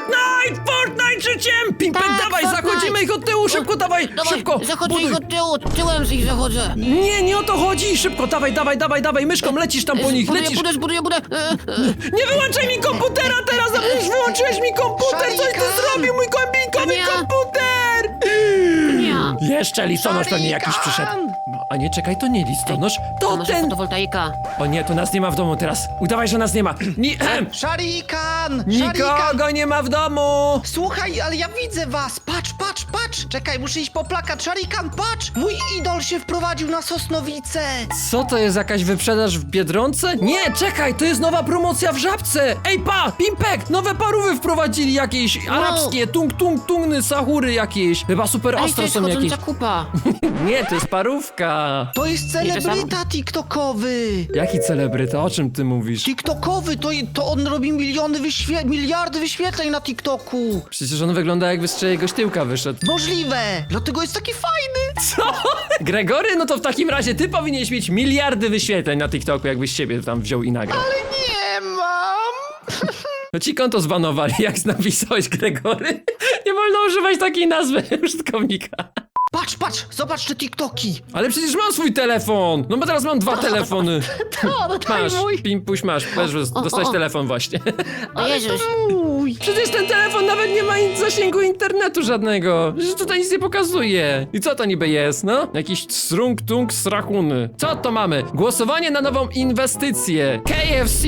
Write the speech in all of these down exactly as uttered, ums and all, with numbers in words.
Fortnite! Fortnite życiem! Pimpek, Tak, dawaj, Fortnite. zachodzimy ich od tyłu, szybko, dawaj, Dawaj, szybko! zachodzę buduj. ich od tyłu, tyłem z ich zachodzę. Nie, nie o to chodzi, szybko, dawaj, dawaj, dawaj, dawaj, myszką, lecisz tam po nich, Buduję, lecisz! buduję, buduję, buduję. E, e. Nie wyłączaj mi komputera teraz, a już wyłączyłeś mi komputer, coś ty Szarikan! zrobił, mój kombinkowy Nie. komputer! Nie. Jeszcze listonosz pewnie jakiś Szarikan! przyszedł. No, a nie, czekaj, to nie listonosz, To to może ten... fotowoltaika. O nie, to nas nie ma w domu teraz, udawaj, że nas nie ma. Ni Szarikan! Szarikan! Nikogo nie ma w domu! Słuchaj, ale ja widzę was! Patrz, patrz, patrz! Czekaj, muszę iść po plakat. Szarikan, patrz! Mój idol się wprowadził na Sosnowice! Co to jest, jakaś wyprzedaż w Biedronce? Nie, czekaj, to jest nowa promocja w Żabce! Ej, pa, Pimpek, nowe parówy wprowadzili jakieś arabskie, tung tung tungny, sahury jakieś. Chyba super Ej, to ostro jest są jakieś. chodząca kupa. Nie, to jest parówka. To jest Nie, to celebryta tiktokowy! Jaki celebryta, o czym ty mówisz? TikTokowy, to, to on robi miliony wyświe miliardy wyświetleń na TikToku! Przecież on wygląda, jakby z czyjegoś tyłka wyszedł. Możliwe! Dlatego jest taki fajny! Co? Gregory? No to w takim razie ty powinieneś mieć miliardy wyświetleń na TikToku, jakbyś siebie tam wziął i nagrał. Nie mam! No ci konto zbanowali, jak napisałeś Gregory. Nie wolno używać takiej nazwy użytkownika. Patrz, patrz! Zobacz te TikToki! Ale przecież mam swój telefon! No bo teraz mam dwa telefony. To, no daj Masz, mój! Pimpuś, masz, też o, dostałeś o. telefon właśnie. O Jezus. Mój! Przecież ten telefon nawet nie ma in- zasięgu internetu żadnego. Przecież tutaj nic nie pokazuje. I co to niby jest, no? Jakiś strung-tung srachuny. Co to mamy? Głosowanie na nową inwestycję. K F C,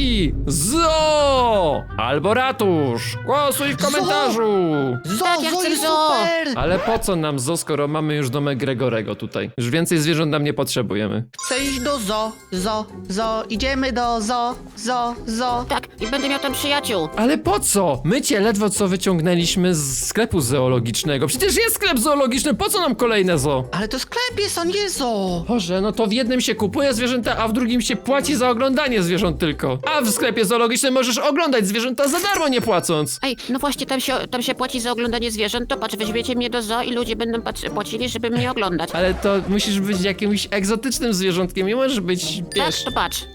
Zoo albo ratusz. Głosuj w komentarzu. Zo, Tak, ja zo chcę jest zo. super! Ale po co nam zoo, skoro mamy już domek Gregorego tutaj? Już więcej zwierząt nam nie potrzebujemy. Chcę iść do zo, zo, zo, idziemy do zo, zo, zo. Tak, i będę miał tam przyjaciół. Ale po co? My cię ledwo co wyciągnęliśmy z sklepu zoologicznego. Przecież jest sklep zoologiczny, po co nam kolejne zoo? Ale to sklep jest, a nie zo. Boże, no to w jednym się kupuje zwierzęta, a w drugim się płaci za oglądanie zwierząt tylko. A w sklepie zoologicznym możesz oglądać zwierzęta za darmo, nie płacąc. Ej, no właśnie, tam się, tam się płaci za oglądanie zwierząt, to patrz, weźmiecie mnie do zoo i ludzie będą patrz, płacili, żeby mnie oglądać. Ale to musisz być jakimś egzotycznym zwierzątkiem, nie możesz być, Tak, wiesz, to patrz.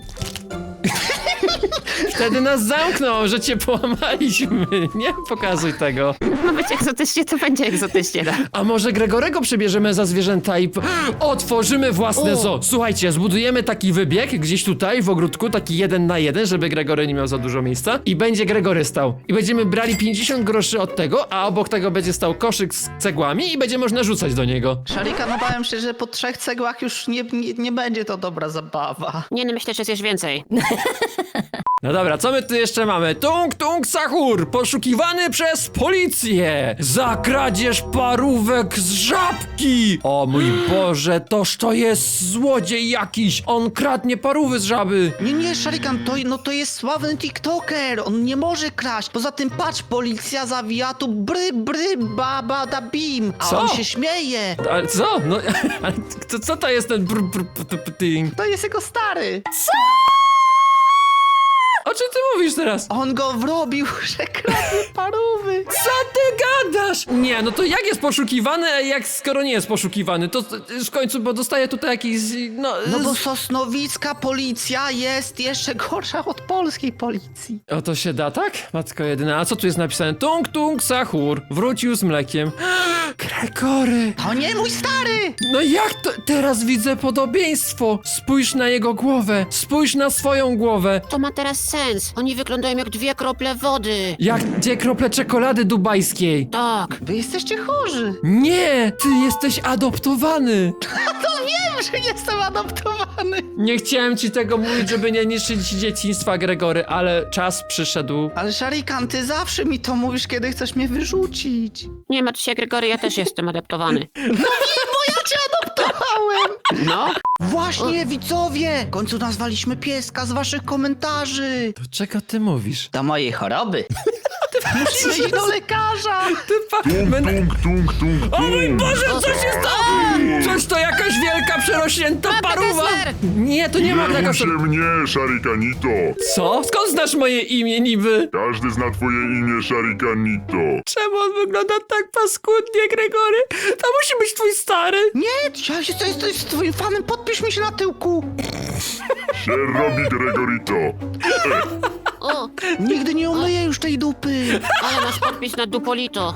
wtedy nas zamkną, że cię połamaliśmy. Nie pokazuj tego. Ma być egzotycznie, to będzie egzotycznie, tak. A może Gregorego przebierzemy za zwierzęta i p- otworzymy własne O. zoo. Słuchajcie, zbudujemy taki wybieg gdzieś tutaj w ogródku, taki jeden na jeden, żeby Gregory nie miał za dużo miejsca i będzie Gregory stał. I będziemy brali pięćdziesiąt groszy od tego, a obok tego będzie stał koszyk z cegłami i będzie można rzucać do niego. Szarikan, obawiam się, że po trzech cegłach już nie, nie, nie będzie to dobra zabawa. Nie, no myślę, że zjesz więcej. No dobra, co my tu jeszcze mamy? Tung Tung Sahur, poszukiwany przez policję za kradzież parówek z żabki. O mój Boże, toż to jest złodziej jakiś. On kradnie parówy z żaby. Nie, nie, Szarikan, to, no to jest sławny tiktoker, on nie może kraść. Poza tym patrz, policja zawija tu bry, bry, baba da bim, a Co? on się śmieje. Ale co? No, ale co, co to jest ten br, br, br, br, ting? To jest jego stary. O czym ty mówisz teraz? On go wrobił, że kradnie parówy. Co ty gadasz? Nie, no to jak jest poszukiwany, a jak skoro nie jest poszukiwany? To y, w końcu, bo dostaje tutaj jakiś, no... No bo z- sosnowicka policja jest jeszcze gorsza od polskiej policji. O, to się da, tak? Matko jedyna, a co tu jest napisane? Tung Tung Sahur wrócił z mlekiem. Gregory! To nie mój stary! No jak to? Teraz widzę podobieństwo. Spójrz na jego głowę. Spójrz na swoją głowę. To ma teraz sens. Oni wyglądają jak dwie krople wody. Jak dwie krople czekolady dubajskiej. Tak. Wy jesteście chorzy. Nie, ty jesteś adoptowany. To wiem, że jestem adoptowany. Nie chciałem ci tego mówić, żeby nie niszczyć dzieciństwa, Gregory, ale czas przyszedł. Ale Szarikan, ty zawsze mi to mówisz, kiedy chcesz mnie wyrzucić. Nie martw się, Gregory, ja też jestem adoptowany. Bo ja cię adoptowałem! No. Właśnie, widzowie! W końcu nazwaliśmy pieska z waszych komentarzy. To czego ty mówisz? Do mojej choroby. Musimy iść do lekarza. Ty pa... Będę... Tung, tung, tung, O mój tung. Boże, co się stało? Coś to jakaś wielka, przerośnięta paruwa. Kessler! Nie, to nie ma taka... Nie się mnie, Szarikanito. Co? Skąd znasz moje imię niby? Każdy zna twoje imię, Szarikanito. Czemu on wygląda tak paskudnie, Gregory? To musi być twój stary. Nie, ja jestem, jestem twoim fanem, podpisz mi się na tyłku. Się robi, Gregorito. E, O, Nigdy nie umyję już tej dupy. ale masz podpis na Dupolito.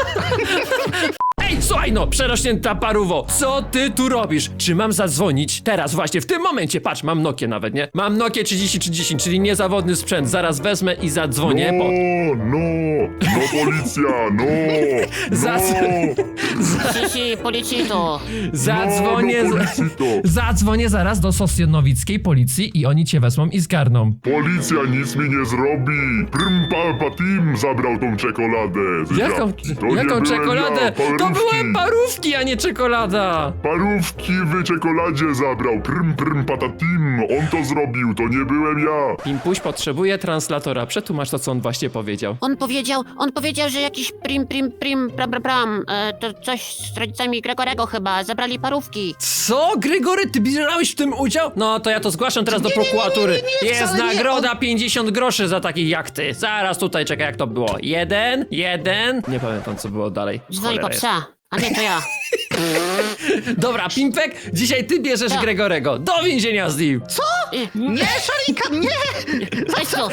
Ej, słuchaj no, przerośnięta parówo, co ty tu robisz? Czy mam zadzwonić? Teraz, właśnie, w tym momencie, patrz, mam Nokię nawet, nie? Mam Nokię trzydzieści trzydzieści, czyli niezawodny sprzęt, zaraz wezmę i zadzwonię, No, bo... no, no policja, no, Zas- no, Sisi, policito. Zadzwonię... no, no z- policito. Zadzwonię zaraz do sosjonowickiej policji i oni cię wezmą i zgarną. Policja nic mi nie zrobi. Prym pa, pa tim zabrał tą czekoladę. Jaką, To nie jaką byłem czekoladę? ja, To parówki. były parówki, a nie czekolada! Parówki w czekoladzie zabrał. Prym, prym, patatim. On to zrobił, to nie byłem ja. Pimpuś potrzebuje translatora, przetłumacz to, co on właśnie powiedział. On powiedział, on powiedział, że jakiś prim, prim, prim, bram, bram, bram. E, to coś z rodzicami Gregorego chyba. Zabrali parówki. Co? Gregory, ty bierałeś w tym udział? No to ja to zgłaszam teraz do prokuratury. nie, nie, nie, Jest wcale nie, nagroda pięćdziesiąt groszy za takich jak ty. Zaraz tutaj, czekaj, jak to było. Jeden, jeden. Nie pamiętam, co było dalej. Dzwoni po Cholera psa. A nie, to ja. jest. Dobra, Pimpek, dzisiaj ty bierzesz Tak. Gregorego. Do więzienia z nim. Nie, Szarikan, nie! Chodź tu.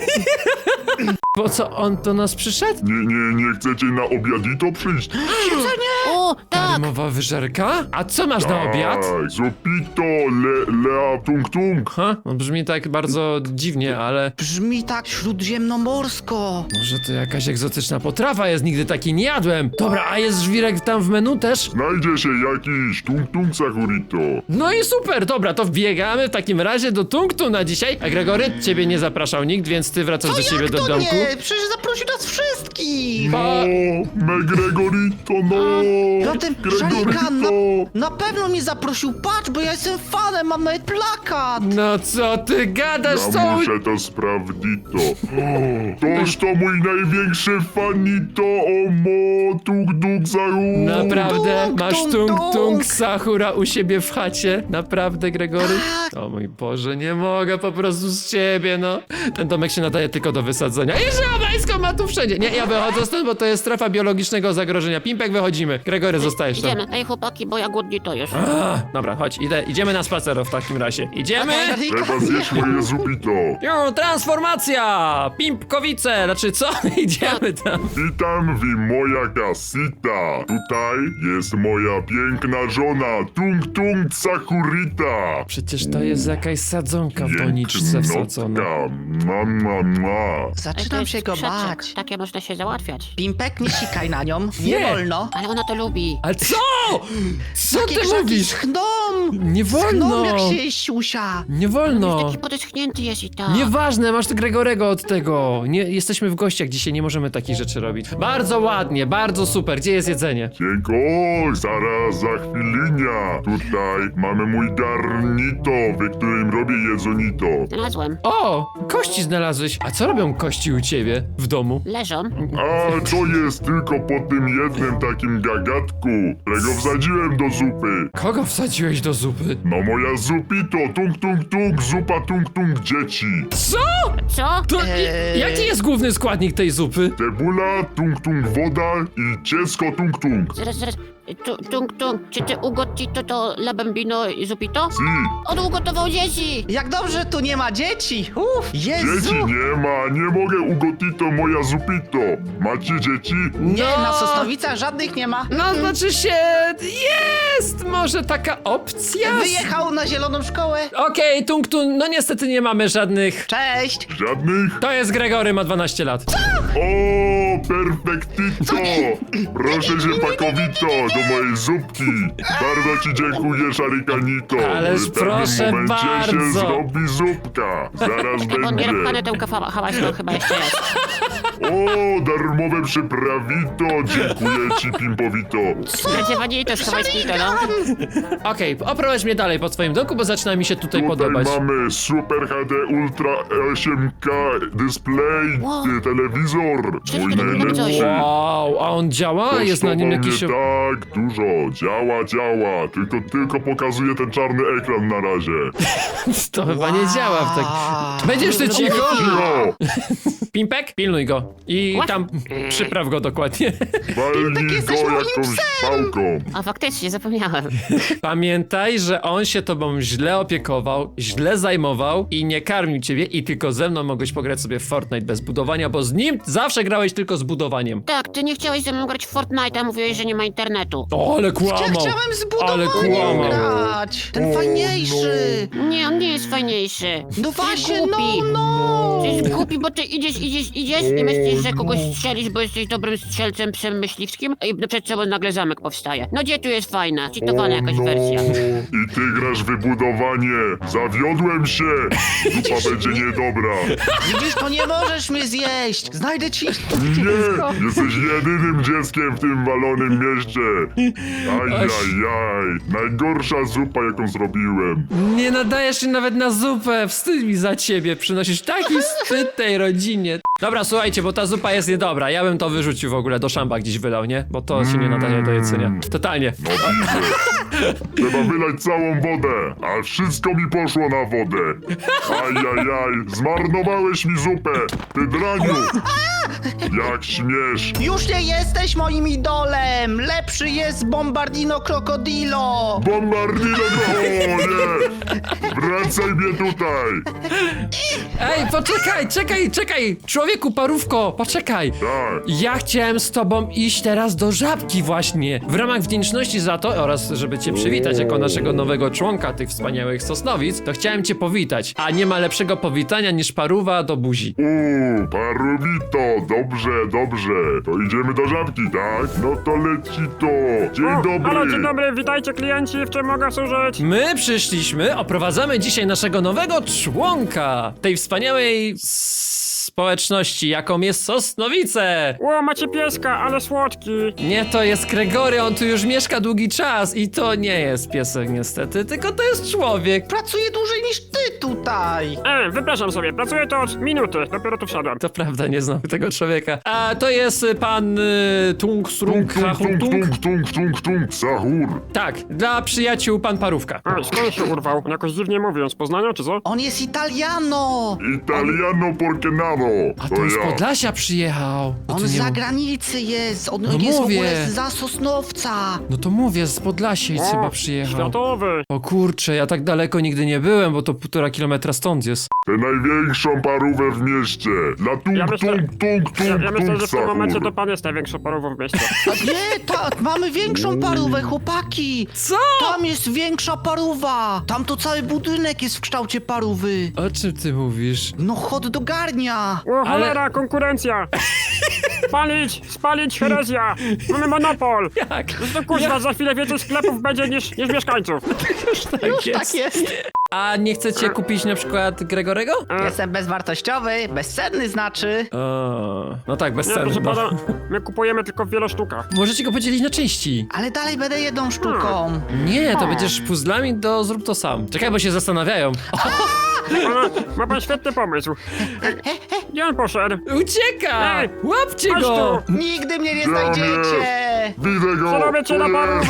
Po co on do nas przyszedł? Nie, nie, nie chcecie na obiadito przyjść? O, tak. Mowa wyżerka? A co masz na obiad? Tak, zupito, le, lea, tung, tung. Ha? No brzmi tak bardzo dziwnie, ale Brzmi tak śródziemnomorsko. może to jakaś egzotyczna potrawa jest, nigdy takiej nie jadłem. Dobra, a jest żwirek tam w menu też? Znajdzie się jakiś tung, tung, Sakurito. No i super, dobra, to wbiegamy w takim razie do Tungtu na dzisiaj. A Gregory, ciebie nie zapraszał nikt, więc ty wracasz do siebie Jak do to domku. nie? Przecież zaprosił nas wszystkich. No, me Gregorito, no. Zatem Szarikan na, na pewno mnie zaprosił. Patrz, bo ja jestem fanem, mam nawet plakat. No co ty gadasz, Ja co? muszę to sprawdzito. Toż to mój największy fanito, o mo, tung, tung, zaru. Naprawdę? Tung, Masz tung, tung tung. tung Sahura u siebie w chacie? Naprawdę, Gregory? Tak. O mój Boże, nie mogę po prostu z ciebie, no. Ten domek się nadaje tylko do wysadzenia. I żabańsko ma tu wszędzie. Nie, ja wychodzę stąd, bo to jest strefa biologicznego zagrożenia. Pimpek, wychodzimy. Gregory, zostajesz tam. Idziemy. Ej, chłopaki, bo ja głodni to już. A, dobra, chodź, idę, idziemy na spacer w takim razie. Idziemy? Trzeba zjeść moje zupito. Jo, transformacja! Pimpkowice! Znaczy co? Idziemy tam. Witam w moja kasita. Tutaj jest moja piękna żona, tung, tung, Sakurita. Przecież to jest jakaś sadzonka w doniczce wsadzona. Pięknotka. Ma, ma, ma. Ej, to Zaczynam jest się go sprzeczek. bać. Takie można się załatwiać. Pimpek, nie sikaj na nią. Nie, Nie. wolno. Ale ona to lubi. Ale co? Co Takie ty krzaki mówisz? schną. Nie Schną, wolno! jak się je siusia. Nie Już wolno! taki podeschnięty jest i tak. Nieważne, masz Gregorego od tego. Nie, jesteśmy w gościach dzisiaj, nie możemy takich rzeczy robić. Bardzo ładnie, bardzo super. Gdzie jest jedzenie? Dziękuję, zaraz za chwilinia. Tutaj mamy mój garnito, w którym robię jedzonito. Znalazłem. O, kości znalazłeś. A co robią kości u ciebie w domu? Leżą. A to jest tylko po tym jednym takim gagatku, którego wsadziłem do zupy. Kogo wsadziłeś do zupy? No moja zupito, tung tung tung, zupa tung tung dzieci. Co? Co? To Eee. jaki jest główny składnik tej zupy? Cebula, tung tung woda i ciecko tung tung. Zaraz, zaraz. Tu, tung, tung. Czy ty ugotito to la bambino i zupito? Si, On ugotował dzieci! Jak dobrze tu nie ma dzieci. Uff, Jezu. dzieci nie ma, nie mogę ugotito moja zupito. Macie dzieci? Nie, No. na Sosnowicach żadnych nie ma. No, znaczy się... Jest może taka opcja? Wyjechał na zieloną szkołę. Okej, Tung Tung, no niestety nie mamy żadnych... Cześć. Żadnych? To jest Gregory, ma dwanaście lat. O, perfektito! Proszę się pakowito do mojej zupki. Bardzo ci dziękuję, Szarikanito. Ależ W pewnym proszę momencie się bardzo. zrobi zupka. Zaraz Ej, bo nie rozpane będzie. tę hałaśną chyba jeszcze raz. O, darmowe przyprawito. Dziękuję ci, Pimpowito. Zdecydowanie schowajski to, no. Okej, oprowadź mnie dalej po twoim domku, bo zaczyna mi się tutaj, Tutaj podobać. mamy Super H D Ultra osiem K display, Wow. y, telewizor. Czyli Mój to tak najlepszy. coś. Wow, a on działa? Jest na nim Kosztował jakiś... mnie tak dużo. Działa, działa. Tylko, tylko pokazuje ten czarny ekran na razie. To chyba nie działa w tak... Będziesz ty cicho? Cicho! Pimpek, pilnuj go. I What? tam przypraw go dokładnie. Walnij jesteś go moim jakąś pałką. A faktycznie, zapomniałem. Pamiętaj, że on się tobą źle opiekował, źle zajmował i nie karmił ciebie i tylko ze mną mogłeś pograć sobie w Fortnite bez budowania, bo z nim zawsze grałeś tylko z budowaniem. Tak, ty nie chciałeś ze mną grać w Fortnite, a mówiłeś, że nie ma internetu. O, ale Ja kłamał! chciałem z Ale budowaniem kłamał. grać! Ten fajniejszy! Nie, on nie jest fajniejszy. No Ty jest właśnie, no, głupi. no! Ty jest głupi, bo ty idziesz, idziesz, idziesz i myślisz, że kogoś strzelisz, bo jesteś dobrym strzelcem, psem myśliwskim i przed sobą nagle zamek powstaje. No gdzie tu jest fajna, cheatowana jakaś no. wersja. I ty grasz wybudowanie. Zawiodłem się. Zupa będzie niedobra. Widzisz, to nie możesz mnie zjeść! Znajdę ci... Nie, jesteś jedynym dzieckiem w tym walonym mieście. Ajajaj, najgorsza zupa jaką zrobiłem. Nie nadajesz się nawet na zupę, wstyd mi za ciebie, przynosisz taki wstyd tej rodzinie. Dobra, słuchajcie, bo ta zupa jest niedobra, ja bym to wyrzucił w ogóle, do szamba gdzieś wylał, nie? Bo to się nie nadaje do jedzenia. Totalnie. No widzę. Trzeba wylać całą wodę, a wszystko mi poszło na wodę. Ajajaj, zmarnowałeś mi zupę, ty draniu. Jak śmiesz. Już nie jesteś moim idolem! Lepszy jest Bombardino Crocodilo! Bombardino, o nie! Wracaj mnie tutaj! Ej, poczekaj, czekaj, czekaj! Człowieku, parówko, poczekaj! Tak, Ja chciałem z tobą iść teraz do Żabki właśnie. W ramach wdzięczności za to oraz żeby cię przywitać jako naszego nowego członka tych wspaniałych Sosnowic, to chciałem cię powitać. A nie ma lepszego powitania niż parówa do buzi. uuu, parubito, dobrze, dobrze. To idziemy do żabki, tak? No to leci to. Dzień O, dobry. Halo, dzień dobry, witajcie klienci, w czym mogę służyć? My przyszliśmy, oprowadzamy dzisiaj naszego nowego członka tej wspaniałej społeczności, jaką jest Sosnowice. Ło, macie pieska, ale słodki. Nie, to jest Gregory, on tu już mieszka długi czas i to nie jest piesek niestety, tylko to jest człowiek. Pracuję dłużej niż ty tutaj! E, wypraszam sobie, pracuję to od minuty, dopiero tu wszedłem. To prawda, nie znam tego człowieka. A to jest y, pan y, Tung Srung Tung, tung, Hachung tung, Tung? tung, tung, tung, tung, sahur. Tak, dla przyjaciół pan Parówka. E, skąd się urwał? Jakoś dziwnie mówiąc, z Poznania czy co? On jest Italiano! Italiano porque nado. A To to z ja. Podlasia przyjechał. No On to z nie... zagranicy jest! On No jest mówię. w ogóle za Sosnowca! No to mówię, z Podlasia i O, chyba przyjechał. światowy. O kurczę, ja tak daleko nigdy nie byłem, bo to półtora kilometra stąd jest. Tę największą parówę w mieście. Dla tung, Ja myślę- tung, tung, tung, Ja, ja myślę, tung, że w tym momencie to sahur. pan jest największą parową w mieście. A nie, tak, mamy większą parówę, chłopaki! Co? Tam jest większa parówa! Tam to cały budynek jest w kształcie parówy! O czym ty mówisz? No hot do garnia! O, cholera, konkurencja! Spalić, spalić, herezja! Mamy monopol! Jak? To kuźwa, za chwilę więcej sklepów będzie niż, niż mieszkańców. Tak jest. Tak jest! A nie chcecie kupić na przykład Gregorego? E, Jestem bezwartościowy, bezcenny znaczy. O, no tak, bez nie, ceny. proszę No. pana, my kupujemy tylko w wielu sztukach. Możecie go podzielić na części. Ale dalej będę jedną sztuką. Nie, to będziesz puzzlami do zrób to sam. Czekaj, bo się zastanawiają. Pana, ma pan świetny pomysł. Gdzie on poszedł? Ucieka! Ej, Łapcie chodź go! Nigdy mnie nie Tam znajdziecie! Widzę go. Co robicie na Tu parówy?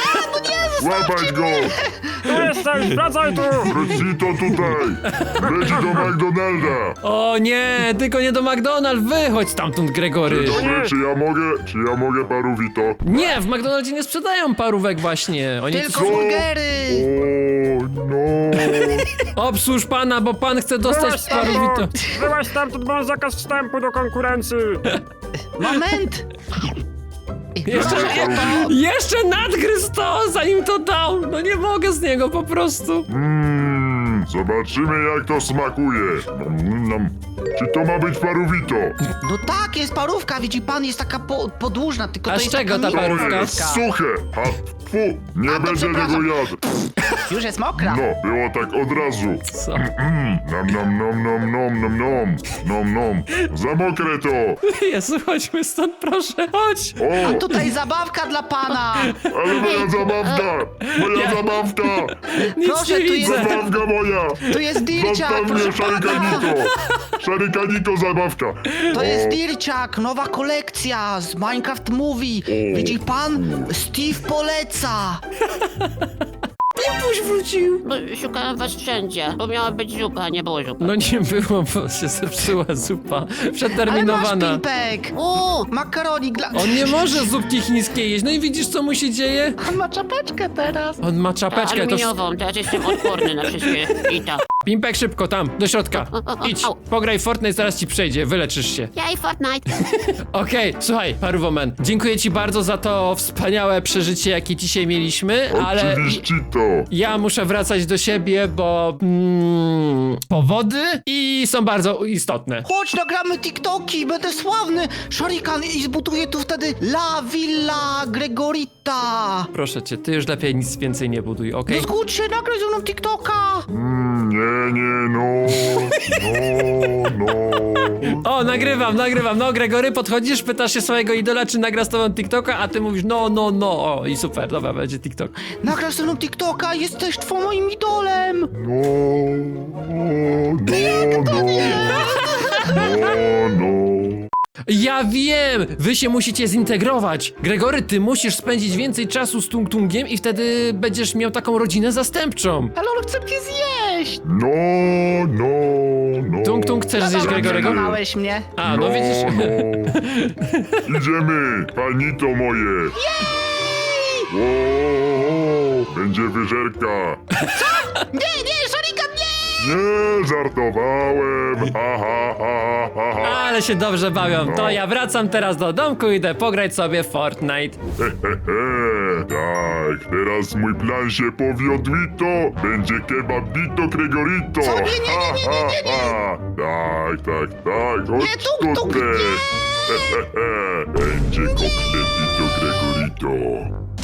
jest. Łapać go. Tu jesteś, wracaj tu! Wrócito tutaj. Leci do McDonalda. O nie, tylko nie do McDonald's, wychodź stamtąd, Gregory. Dobrze, czy ja mogę, czy ja mogę parówito? Nie, w McDonaldzie nie sprzedają parówek właśnie. Oni Tylko Co? burgery! O, no. Obsłuż pana, bo pan chce dostać Wyłaź parówito. stamtąd! Wyłaź stamtąd, bo mam zakaz wstępu do konkurencji! Moment! Jeszcze, jeszcze nadgryz to, zanim to dał. No nie mogę z niego po prostu. Mmm, zobaczymy jak to smakuje. Nom, nom. Czy to ma być parówito? No tak, jest parówka, widzi pan, jest taka po, podłużna, tylko A to z jest czego taka ta parówka? To jest miękka. suche. A fu, nie A, to będę tego przepraszam. jadł. Już jest mokra. No, było tak od razu. Co? Mm, nom, nom, nom, nom, nom, nom, nom, nom, nom. Za mokre to. Jezu, chodźmy stąd, proszę, chodź. O, Tutaj zabawka dla pana! ale moja zabawka. Moja zabawka. Nic Proszę, nie tu jest- widzę. Zabawka moja. Tu jest dirciak, Zostaw mnie, proszę pana! szarykaniko. Szarykaniko zabawka. To jest O, dirciak, nowa kolekcja z Minecraft Movie. Widzi pan? Steve poleca. Kubuś wrócił? Bo szukałem was wszędzie, bo miała być zupa, a nie było zupy. No nie było, bo się zepsuła zupa. Ale masz Przeterminowana. Pimpek! O, Makaronik dla... On nie może zupki chińskiej jeść. No i widzisz, co mu się dzieje? On ma czapeczkę teraz. On ma czapeczkę, to... aluminiową, teraz jestem odporny na wszystkie i to. Pimpek, szybko, tam, do środka. Idź, pograj w Fortnite, zaraz ci przejdzie, wyleczysz się. Ja i Fortnite. Okej, słuchaj, Paruwoman, dziękuję ci bardzo za to wspaniałe przeżycie, jakie dzisiaj mieliśmy, ale Oczywiście to. ja muszę wracać do siebie, bo mm, powody i są bardzo istotne. Chodź, nagramy TikToki, będę sławny. Shurikan i zbuduję tu wtedy La Villa Gregorita. Proszę cię, ty już lepiej nic więcej nie buduj, okej? No zgódź się, nagraj ze mną TikToka. Mm, nie, nie, no. No, no. O, nagrywam, nagrywam. No, Gregory, podchodzisz, pytasz się swojego idola, czy nagra z tobą TikToka, a ty mówisz no, no, no. O, i super, dobra, będzie TikTok. Nagrasz ze mną TikToka, jesteś twą moim idolem. No, no, no, no, no. Ja wiem! Wy się musicie zintegrować. Gregory, ty musisz spędzić więcej czasu z Tung Tungiem i wtedy będziesz miał taką rodzinę zastępczą. Ale on chce mnie zjeść. No, no, no. Tung Tung, chcesz zjeść Dobra, Gregorego? przekonałeś mnie. A, no widzisz. No. Idziemy, panito moje. Wow, będzie wyżerka. Nie, nie, Shurikan, nie! Nie, żartowałem. Ha, ha, ha, ha, ha. Ale się dobrze bawią. To ja wracam teraz do domku i idę pograć sobie w Fortnite. He, he, he. Tak, teraz mój plan się powiódł i to będzie kebabito Gregorito. Co? Nie, nie, nie, nie, nie, nie, nie. Ha, ha, ha. Tak, tak, tak, chodź Nie, tuk, tuk, tutaj. nie. He, he, he. Będzie koktelito Gregorito.